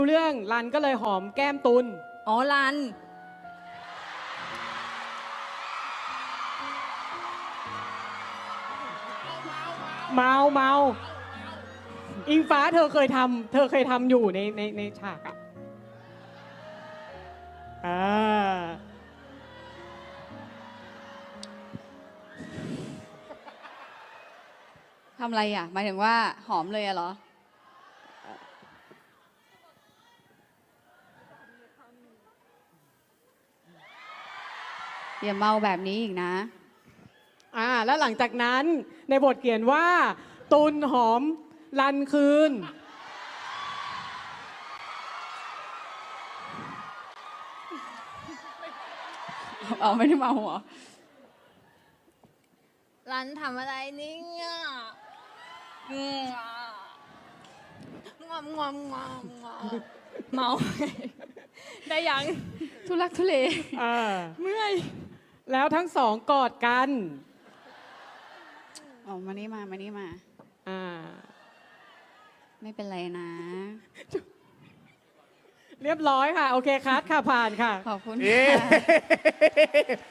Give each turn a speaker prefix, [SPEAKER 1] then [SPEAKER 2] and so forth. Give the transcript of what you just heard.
[SPEAKER 1] เรื่องรันก็เลยหอมแก้มตุล
[SPEAKER 2] อ๋อรัน
[SPEAKER 1] เมาอิงฟ้าเธอเคยทำอยู่ในฉากอ่ะอ่า
[SPEAKER 2] ทำอะไรอ่ะหมายถึงว่าหอมเลยอะเหรออย่าเมาแบบนี้อีกนะ
[SPEAKER 1] แล้วหลังจากนั้นในบทเขียนว่า ตุลหอมรันคืน
[SPEAKER 2] เอาไม่ได้เมาเหรอ
[SPEAKER 3] รันทำอะไรนี่งอมเมา ได้ยัง
[SPEAKER 2] ทุลักทุเล
[SPEAKER 1] เมื่อยแล้วทั้งสองกอดกัน
[SPEAKER 2] อ๋อมานี่มานี่มา
[SPEAKER 1] อ่า
[SPEAKER 2] ไม่เป็นไรนะ
[SPEAKER 1] เรียบร้อยค่ะ โอเคคัดค่ะผ่านค่ะ
[SPEAKER 2] ขอบคุณ
[SPEAKER 4] เอ๊ะ
[SPEAKER 2] ค่ะ